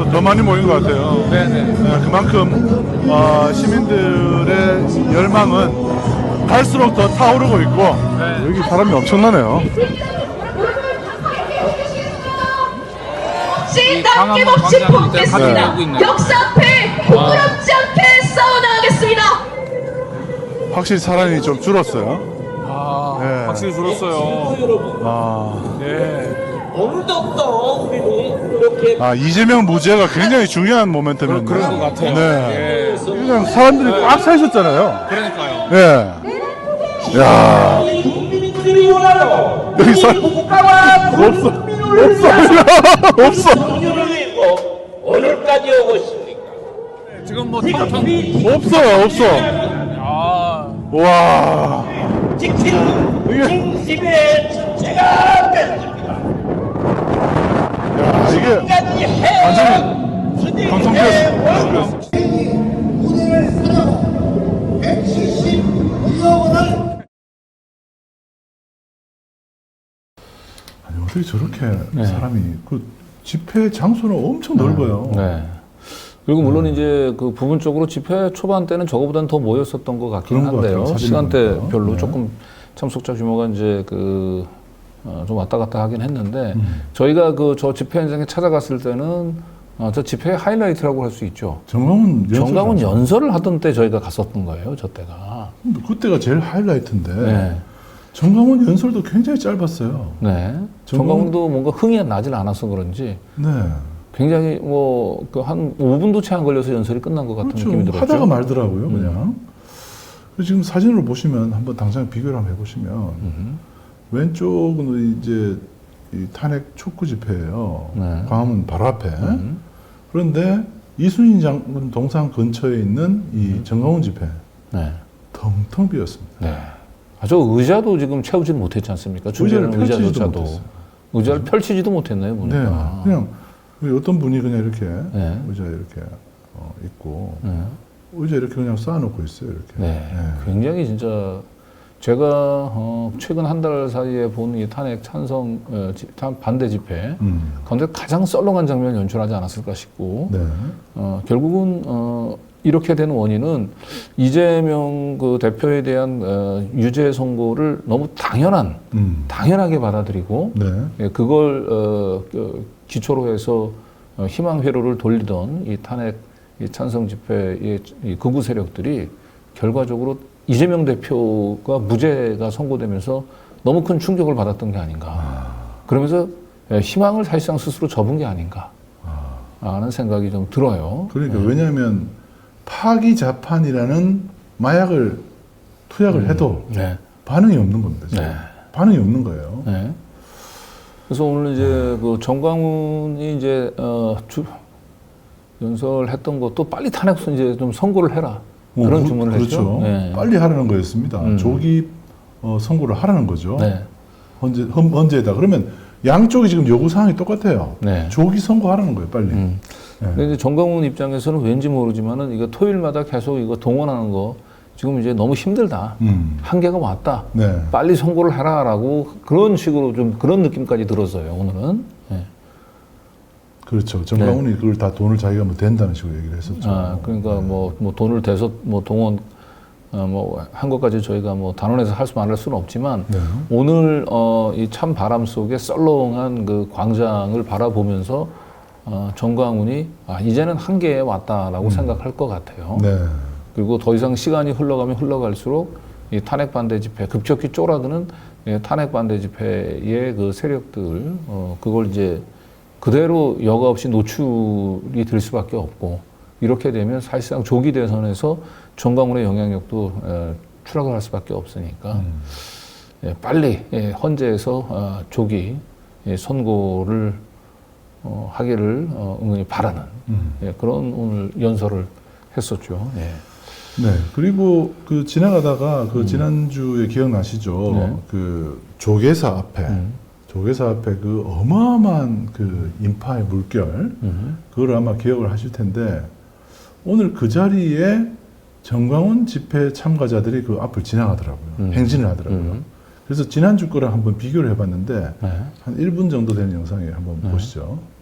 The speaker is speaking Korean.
더 많이 모인 것 같아요. 네네. 그만큼 시민들의 열망은 갈수록 더 타오르고 있고 네. 여기 사람이 엄청나네요. 남김없이 뽑겠습니다. 네. 역사 앞에 부끄럽지 않게 싸워나가겠습니다. 확실히 사람이 좀 줄었어요. 네. 확실히 줄었어요. 네. 어느덧더 우리는 이렇게 이재명 무죄가 굉장히 중요한 모멘텀이었네요. 그런 것 같아요. 네. 예. 그냥 사람들이 꽉 차 있었잖아요. 그러니까요. 네. 야, 국민들이 원하는 여기 사람 국가와 없어. 없어. 국민을 위해서 오늘까지 오고 있습니까? 지금 뭐 텅텅. 없어. 아. 와. 지키는 중심의 주체가 됐습니다. 야, 이게 완전히 방송되었어. 무대를 사려고 172억 원을 아니 어떻게 저렇게 사람이 그 집회 장소는 엄청 넓어요. 네. 그리고 물론 이제 그 부분적으로 집회 초반 때는 저거보다는 더 모였었던 것 같긴 그런 것 한데요. 같아요. 시간대별로 네. 조금 참석자 규모가 이제 좀 왔다 갔다 하긴 했는데 저희가 저 집회 현장에 찾아갔을 때는 저 집회의 하이라이트라고 할 수 있죠. 정강훈 연설을 하던 때 저희가 갔었던 거예요. 저 때가. 그때가 제일 하이라이트인데 네. 정강훈 연설도 굉장히 짧았어요. 네. 정강훈도 뭔가 흥이 나질 않아서 그런지 네. 굉장히 한 5분도 채 안 걸려서 연설이 끝난 것 같은 그렇죠. 느낌이 들었죠. 하다가 말더라고요, 그냥. 그래서 지금 사진으로 보시면 한번 당장 비교를 한번 해보시면 왼쪽은 이제 이 탄핵 촉구 집회예요. 네. 광화문 바로 앞에. 그런데 이순신 장군 동상 근처에 있는 이 정강훈 집회 네. 텅텅 비었습니다. 네. 저 의자도 지금 채우지 못했지 않습니까? 의자를 준비하는 펼치지도 의자조차도. 못했어요. 의자를 펼치지도 못했나요, 네, 보니까. 그냥 어떤 분이 그냥 이렇게 네. 의자 이렇게 있고 네. 의자 이렇게 그냥 쌓아놓고 있어요, 이렇게. 네. 굉장히 진짜 제가 최근 한 달 사이에 본 이 탄핵 찬성 반대 집회 가운데 가장 썰렁한 장면을 연출하지 않았을까 싶고 네. 결국은 이렇게 된 원인은 이재명 그 대표에 대한 유죄 선고를 너무 당연하게 받아들이고 네. 예, 그걸 기초로 해서 희망 회로를 돌리던 이 탄핵 이 찬성 집회의 이 극우 세력들이 결과적으로 이재명 대표가 무죄가 선고되면서 너무 큰 충격을 받았던 게 아닌가. 그러면서 희망을 사실상 스스로 접은 게 아닌가 하는 생각이 좀 들어요. 그러니까 왜냐하면 파기자판이라는 마약을 투약을 해도 네. 반응이 없는 겁니다. 지금. 네. 반응이 없는 거예요. 네. 그래서 오늘 이제 그 정광훈이 이제 연설했던 것도 빨리 탄핵 이제 좀 선고를 해라 그런 주문을 그렇죠. 했죠. 네. 빨리 하라는 거였습니다. 조기 선고를 하라는 거죠. 네. 헌재에다. 그러면 양쪽이 지금 요구 사항이 똑같아요. 네. 조기 선고하라는 거예요, 빨리. 근데 이제 정광훈 입장에서는 왠지 모르지만은 이거 토요일마다 계속 이거 동원하는 거 지금 이제 너무 힘들다. 한계가 왔다. 네. 빨리 선고를 해라라고 그런 식으로 좀 그런 느낌까지 들었어요. 오늘은. 네. 그렇죠. 정강훈이 그걸 다 돈을 자기가 뭐 된다는 식으로 얘기를 했었죠. 그러니까 뭐 돈을 대서 뭐 동원 한 것까지 저희가 뭐 단언해서 할 수 말할 수는 없지만 네. 오늘 이 찬 바람 속에 썰렁한 그 광장을 바라보면서 정광훈이 이제는 한계에 왔다라고 생각할 것 같아요. 네. 그리고 더 이상 시간이 흘러가면 흘러갈수록 이 탄핵 반대 집회 급격히 쪼라드는 탄핵 반대 집회의 그 세력들 그걸 이제 그대로 여과 없이 노출이 될 수밖에 없고 이렇게 되면 사실상 조기 대선에서 정광훈의 영향력도 추락을 할 수밖에 없으니까 빨리 헌재에서 조기 선고를 하기를 응원히 바라는 그런 오늘 연설을 했었죠. 네. 네. 그리고 그 지나가다가 그 지난주에 기억나시죠? 네. 그 조계사 앞에 그 어마어마한 그 인파의 물결, 그걸 아마 기억을 하실 텐데, 오늘 그 자리에 정광훈 집회 참가자들이 그 앞을 지나가더라고요. 행진을 하더라고요. 그래서 지난주 거랑 한번 비교를 해봤는데, 네. 한 1분 정도 되는 영상에 한번 보시죠.